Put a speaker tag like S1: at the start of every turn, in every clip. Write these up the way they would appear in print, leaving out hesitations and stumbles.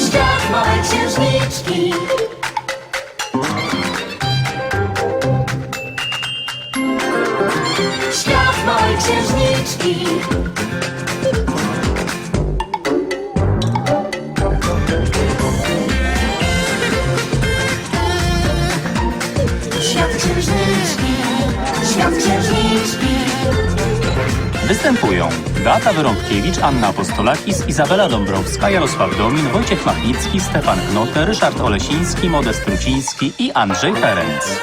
S1: Świat małej księżniczki. Świat małej księżniczki. Świat księżniczki. Świat księżniczki.
S2: Występują Beata Wyrąbkiewicz, Anna Apostolakis, Izabela Dąbrowska, Jarosław Domin, Wojciech Machnicki, Stefan Knote, Ryszard Olesiński, Modest Truciński i Andrzej Ferenc.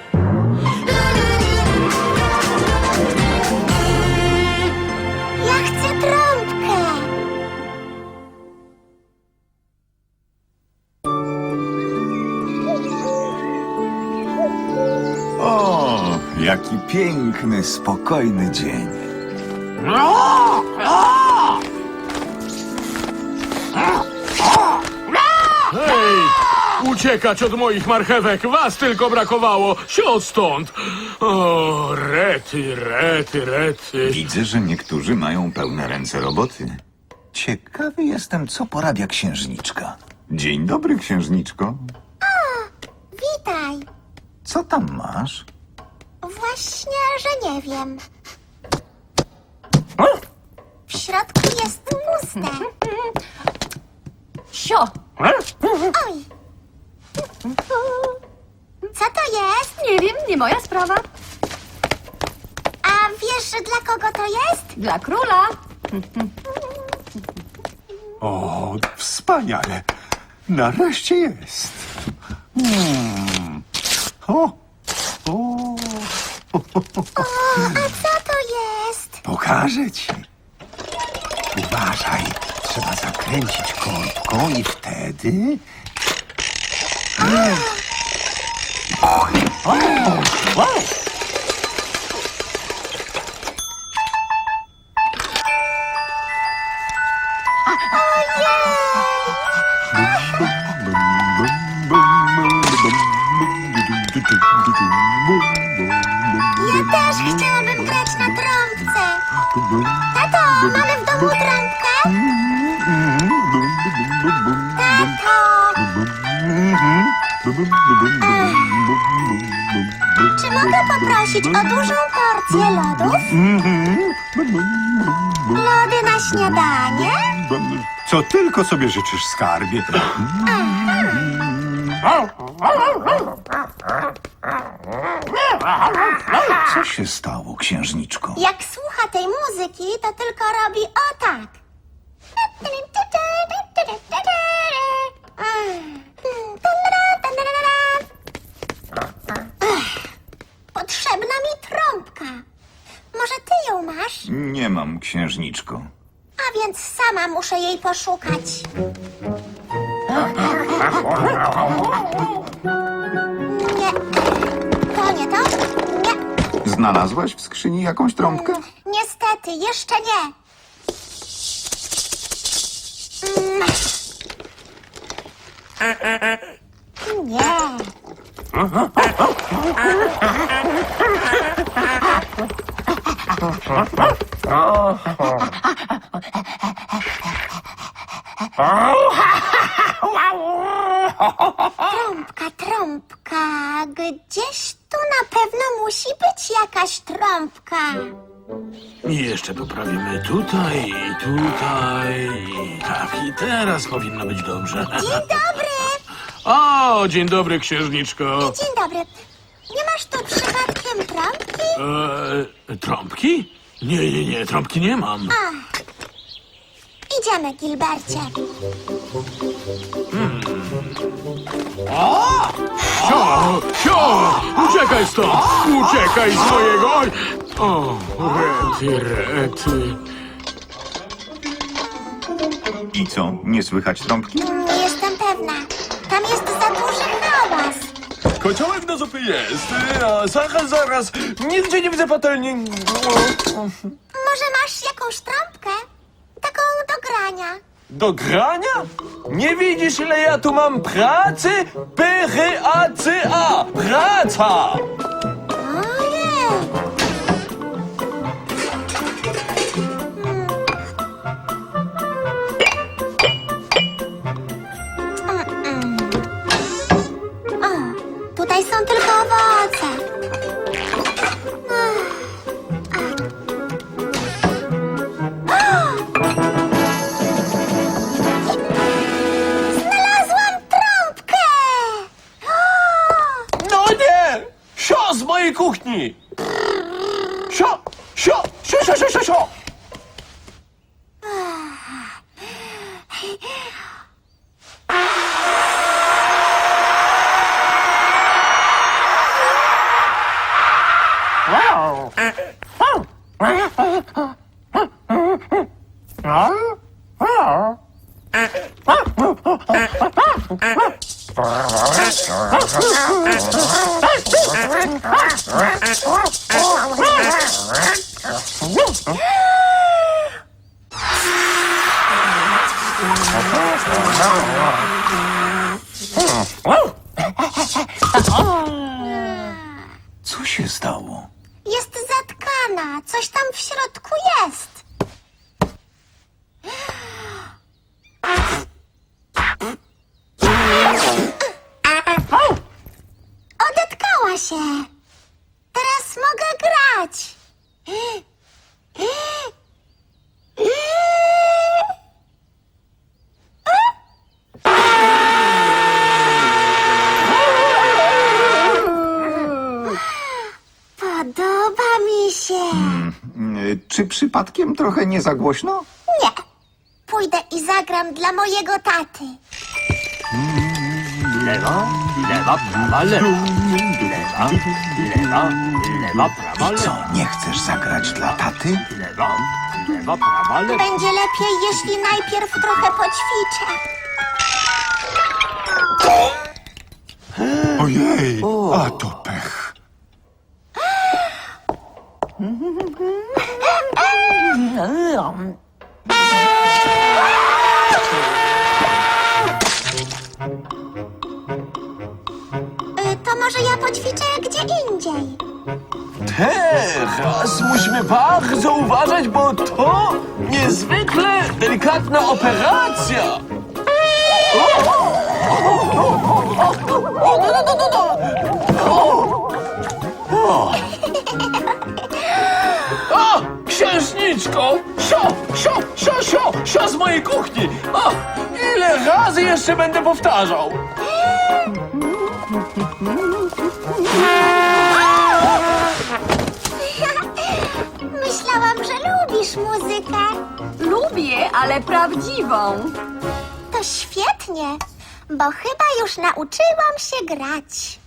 S3: Ja chcę trąbkę.
S4: O, jaki piękny, spokojny dzień.
S5: Hej! Uciekać od moich marchewek! Was tylko brakowało! Siądź stąd! O, rety, rety, rety.
S4: Widzę, że niektórzy mają pełne ręce roboty. Ciekawy jestem, co porabia księżniczka. Dzień dobry, księżniczko.
S3: Witaj.
S4: Co tam masz?
S3: Właśnie, że nie wiem. W środku jest puste.
S6: Sio!
S3: Oj. Co to jest?
S6: Nie wiem, nie moja sprawa.
S3: A wiesz, dla kogo to jest?
S6: Dla króla.
S7: O, wspaniale. Nareszcie jest. O, o,
S3: A co to jest?
S7: pokażę ci. Uważaj, trzeba zakręcić korbką i wtedy...
S3: Ja też chciałabym grać na trąbce. Tato, mamy w domu trąbkę? Tato! Czy mogę poprosić o dużą porcję lodów? Lody na śniadanie?
S7: Co tylko sobie życzysz, skarbie.
S4: Co się stało, księżniczko?
S3: Jak słucha tej muzyki, to tylko robi o tak. Potrzebna mi trąbka. Może ty ją masz?
S4: Nie mam, księżniczko.
S3: A więc sama muszę jej poszukać. Nie. To nie to? Nie.
S4: Znalazłaś w skrzyni jakąś trąbkę?
S3: Niestety, jeszcze nie. Nie. Trąbka, trąbka. Gdzieś tu na pewno musi być jakaś trąbka.
S5: I jeszcze poprawimy tutaj, i tutaj, i tak, i teraz powinno być dobrze.
S3: Dzień dobry.
S5: O, dzień dobry, księżniczko.
S3: Dzień dobry. Nie masz tu przypadkiem trąbki?
S5: Trąbki? Nie, trąbki nie mam.
S3: Idziemy, Gilbercie.
S5: Sio! Uciekaj stąd! Uciekaj z mojego... O, rety, rety.
S4: I co, nie słychać trąbki?
S3: Nie jestem pewna. Tam jest za duży hałas.
S8: Kociołek do zupy jest, a zaraz, nigdzie nie widzę patelni.
S3: Może masz jakąś trąbkę? Taką do grania.
S8: Do grania? Nie widzisz, ile ja tu mam pracy? P-R-A-C-A! Praca!
S3: Ojej. są tylko owoce. Znalazłam trąbkę!
S8: No nie! Sio z mojej kuchni! Sio! Sio! Sio, sio, sio, sio, sio!
S4: Co się stało?
S3: Jest zatkana. Coś tam w środku jest. Odetkała się. Teraz mogę grać. Podoba mi się.
S4: Czy przypadkiem trochę nie za głośno?
S3: Nie. Pójdę i zagram dla mojego taty.
S5: Lewa, lewa, prawa, lewa. Lewa, lewa, lewa, prawa,
S4: I co, nie chcesz zagrać dla taty?
S5: lewa, lewa, prawa, lewa.
S3: Będzie lepiej, jeśli najpierw trochę poćwiczę.
S7: Ojej, a to pech.
S3: To może ja poćwiczę gdzie indziej.
S8: Teraz musimy bardzo uważać, bo to niezwykle delikatna operacja. O, księżniczko! Sio, sio, sio, sio, sio z mojej kuchni! O, ile razy jeszcze będę powtarzał?
S3: Myślałam, że lubisz muzykę.
S6: Lubię, ale prawdziwą.
S3: To świetnie, bo chyba już nauczyłam się grać.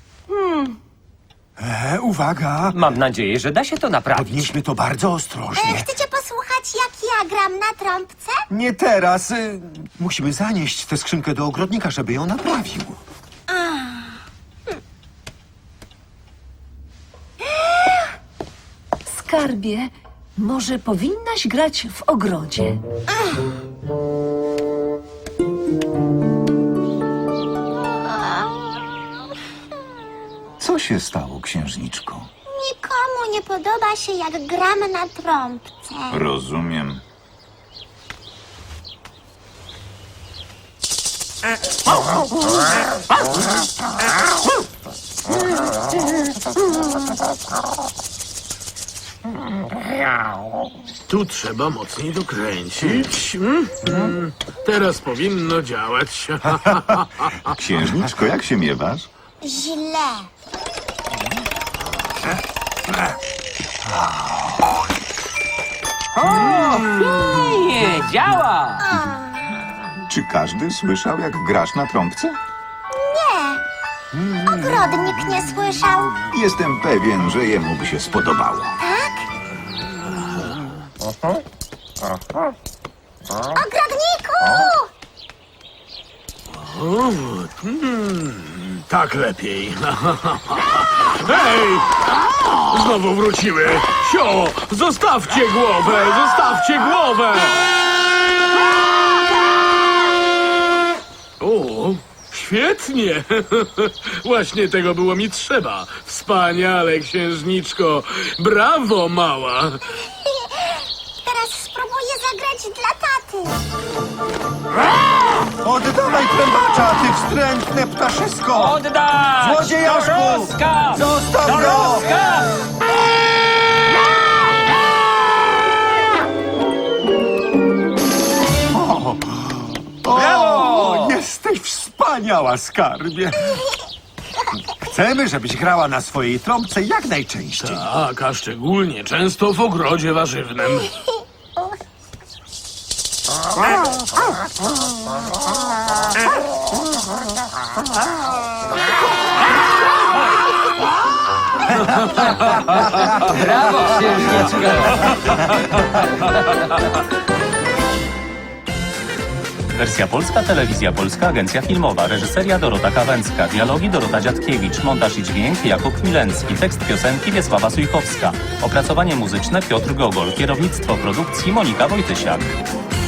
S7: Uwaga,
S9: Mam nadzieję, że da się to naprawić.
S7: podnieśmy to bardzo ostrożnie.
S3: Chcecie posłuchać, jak ja gram na trąbce?
S7: Nie teraz. Musimy zanieść tę skrzynkę do ogrodnika, żeby ją naprawił.
S10: Skarbie, może powinnaś grać w ogrodzie.
S4: Co się stało, księżniczko?
S3: Nikomu nie podoba się, jak gram na trąbce.
S4: Rozumiem.
S5: Tu trzeba mocniej dokręcić. Teraz powinno działać.
S4: Księżniczko, jak się miewasz?
S3: Źle.
S9: Nie, działa!
S4: Czy każdy słyszał, jak grasz na trąbce?
S3: Nie. Ogrodnik nie słyszał.
S4: Jestem pewien, że jemu by się spodobało.
S3: Tak? Ogrodniku!
S5: Tak lepiej. Hej! Znowu wróciły. Sio, zostawcie głowę, zostawcie głowę! O, świetnie. Właśnie tego było mi trzeba. Wspaniale, księżniczko. Brawo, mała.
S3: Teraz spróbuję zagrać dla taty.
S7: Oddawaj trębacza, ty Wstrętne ptaszysko!
S9: Oddać!
S7: Złodziejaszku!
S9: To rozkaz!
S7: Zostaw
S9: To
S7: go!
S9: rozkaz!
S7: O, jesteś wspaniała, skarbie! Chcemy, żebyś grała na swojej trąbce jak najczęściej.
S5: Tak, a szczególnie często w ogrodzie warzywnym.
S9: Brawo, księżniczko!
S2: Wersja polska, telewizja polska, agencja filmowa, reżyseria Dorota Kawęcka, dialogi Dorota Dziadkiewicz, montaż i dźwięk Jakub Milencki, tekst piosenki Wiesława Sujkowska, opracowanie muzyczne Piotr Gogol, kierownictwo produkcji Monika Wojtysiak.